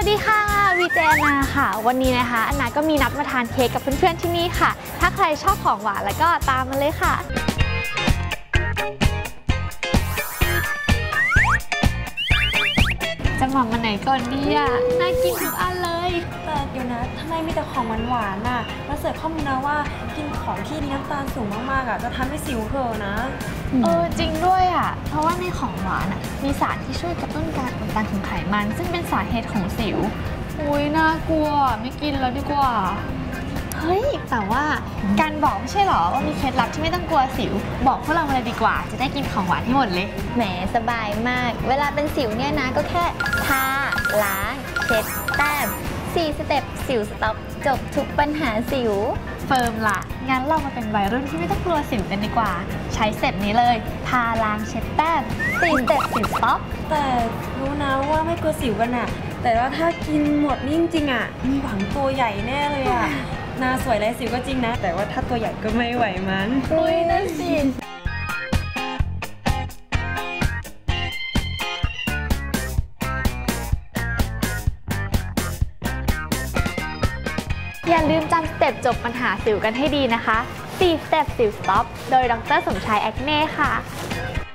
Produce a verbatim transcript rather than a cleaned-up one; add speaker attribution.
Speaker 1: ดีค่ะวีเจนาค่ะวันนี้นะคะอันนาก็มีนัดมาทานเค้กกับเพื่อนๆที่นี่ค่ะถ้าใครชอบของหวานแล้วก็ตามมาเลยค่ะจะหม่อมมาไหนก่อนดีอ่ะน่ากินทุกอันเลย
Speaker 2: แต่เดี๋ยวนะทำไมมีแต่ของหวานๆน่ะมาเสิร์ฟข้อมูลนะว่ากินของที่มีน้ำตาลสูงมากๆอ่ะจะทำให้สิวเธอนะ
Speaker 1: เออจริงด้วยอ่ะเพราะว่าในของหวานอ่ะมีสารที่ช่วยกระตุ้นการอุดตันของไขมันซึ่งเป็นสาเหตุของสิวอุ้ยน่ากลัวไม่กินแล้วดีกว่าเฮ้ยแต่ว่าการบอกไม่ใช่หรอว่ามีเคล็ดลับที่ไม่ต้องกลัวสิวบอกพวกเรามาเลยดีกว่าจะได้กินของหวานให้หมดเลย
Speaker 3: แหมสบายมากเวลาเป็นสิวเนี่ยนะก็แค่ทาล้างเช็ดแต้มสี่สเต็ปสิวสต็อปจบทุกปัญหาสิว
Speaker 1: เฟิร์มละงั้นเรามาเป็นวัยรุ่นที่ไม่ต้องกลัวสิวกันดีกว่าใช้เสร็จนี้เลยทาล้างเช็ดแต้มสี่สเต็ปสิวสต็อป
Speaker 2: แต่รู้นะว่าไม่กลัวสิวกันอะแต่ว่าถ้ากินหมดนี่จริงๆอะมีหวังตัวใหญ่แน่เลยอะหน้าสวยไรสิวก็จริงนะแต่ว่าถ้าตัวใหญ่ก็ไม่ไหวมัน
Speaker 1: อุ้ยนั่นสิอย่าลืมจำสเต็ปจบปัญหาสิวกันให้ดีนะคะสี่สเต็ปสิวสต็อปโดยดร.สมชายแอคเน่ค่ะ